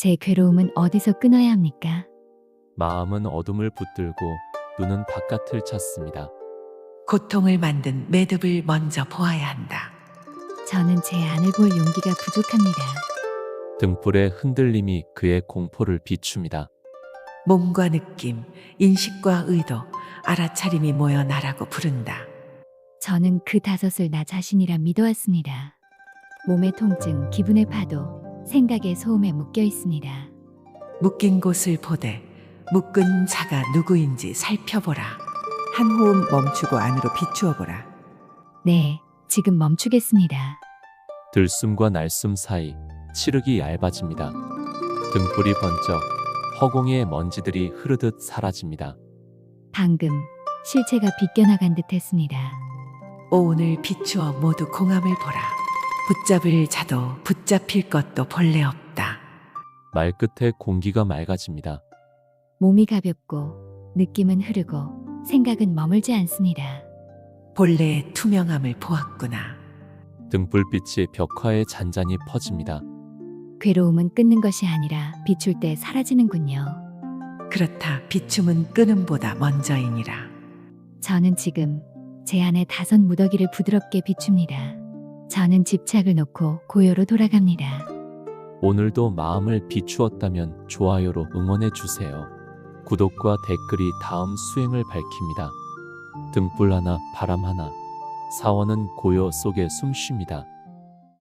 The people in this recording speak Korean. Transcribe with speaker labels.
Speaker 1: 제 괴로움은 어디서 끊어야 합니까?
Speaker 2: 마음은 어둠을 붙들고 눈은 바깥을 찾습니다.
Speaker 3: 고통을 만든 매듭을 먼저 보아야 한다.
Speaker 1: 저는 제 안을 볼 용기가 부족합니다.
Speaker 2: 등불의 흔들림이 그의 공포를 비춥니다.
Speaker 3: 몸과 느낌, 인식과 의도, 알아차림이 모여 나라고 부른다.
Speaker 1: 저는 그 다섯을 나 자신이라 믿어왔습니다. 몸의 통증, 기분의 파도, 생각의 소음에 묶여 있습니다.
Speaker 3: 묶인 곳을 보되 묶은 자가 누구인지 살펴보라.
Speaker 4: 한 호흡 멈추고 안으로 비추어보라.
Speaker 1: 네, 지금 멈추겠습니다.
Speaker 2: 들숨과 날숨 사이 칠흑이 얇아집니다. 등불이 번쩍 허공의 먼지들이 흐르듯 사라집니다.
Speaker 1: 방금 실체가 비껴나간 듯 했습니다.
Speaker 3: 오온을 비추어 모두 공함을 보라. 붙잡을 자도 붙잡힐 것도 본래 없다.
Speaker 2: 말끝에 공기가 맑아집니다.
Speaker 1: 몸이 가볍고 느낌은 흐르고 생각은 머물지 않습니다.
Speaker 3: 본래의 투명함을 보았구나.
Speaker 2: 등불빛이 벽화에 잔잔히 퍼집니다.
Speaker 1: 괴로움은 끊는 것이 아니라 비출 때 사라지는군요.
Speaker 3: 그렇다. 비춤은 끊음보다 먼저이니라.
Speaker 1: 저는 지금 제 안에 다섯 무더기를 부드럽게 비춥니다. 저는 집착을 놓고 고요로 돌아갑니다.
Speaker 2: 오늘도 마음을 비추었다면 좋아요로 응원해 주세요. 구독과 댓글이 다음 수행을 밝힙니다. 등불 하나, 바람 하나. 사원은 고요 속에 숨쉽니다.